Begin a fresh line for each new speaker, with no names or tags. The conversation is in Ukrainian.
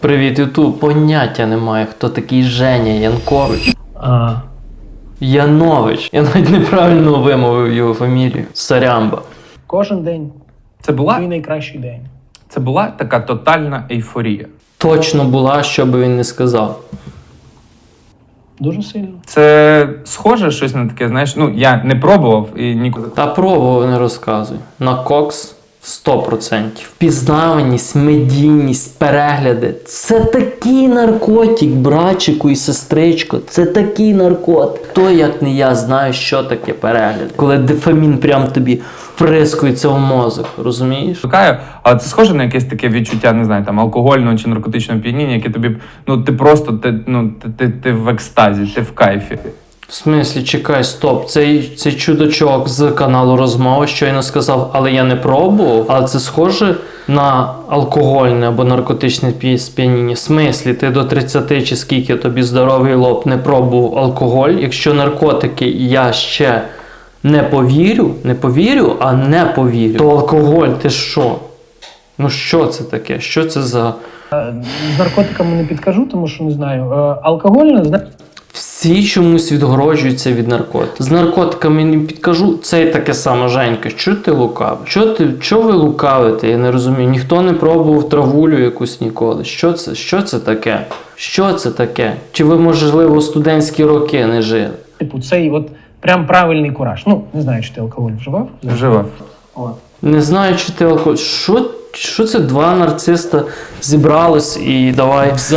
Привіт, Ютуб. Поняття немає, хто такий Женя Янкович. Янович. Я навіть неправильно вимовив його фамілію. Сарямба.
Кожен день
Це була,
твій найкращий день.
це була така тотальна ейфорія.
Точно була, що би він не сказав.
Дуже сильно.
Це схоже щось на таке, знаєш, ну я не пробував і ніколи.
Та пробував, не розказуй. На кокс 100%. Впізнаваність, медійність, перегляди. Це такий наркотик, братчику і сестричко. Це такий наркотик. Хто, як не я, знає, що таке перегляди. Коли дофамін прям тобі вприскується в мозок, розумієш?
Шукаю, але це схоже на якесь таке відчуття, не знаю, там алкогольного чи наркотичного п'яніння, яке тобі, ну ти просто, ти в екстазі, ти в кайфі.
В смислі, чекай, стоп, цей чудачок з каналу Розмова щойно сказав, але я не пробував, але це схоже на алкогольне або наркотичне сп'яніння. В смислі, ти до 30 чи скільки тобі здоровий лоб не пробував алкоголь, якщо наркотики я ще не повірю, а не повірю, то алкоголь, ти що? Ну що це таке? Що це за...
З наркотиками не підкажу, тому що не знаю. Алкогольне, знаєш,
Всі чомусь відгороджуються від наркотиків. З наркотиками не підкажу, це і таке саме, Женька. Що ти лукавиш? Що ви лукавите? Я не розумію. Ніхто не пробував травулю якусь ніколи. Що це таке? Що це таке? Чи ви, можливо, студентські роки не жили?
типу, цей от прям правильний кураж. Ну, не знаю, чи ти алкоголь вживав.
Вживав.
От.
Не знаю, чи ти алкоголь. Що це два нарциста зібрались і давай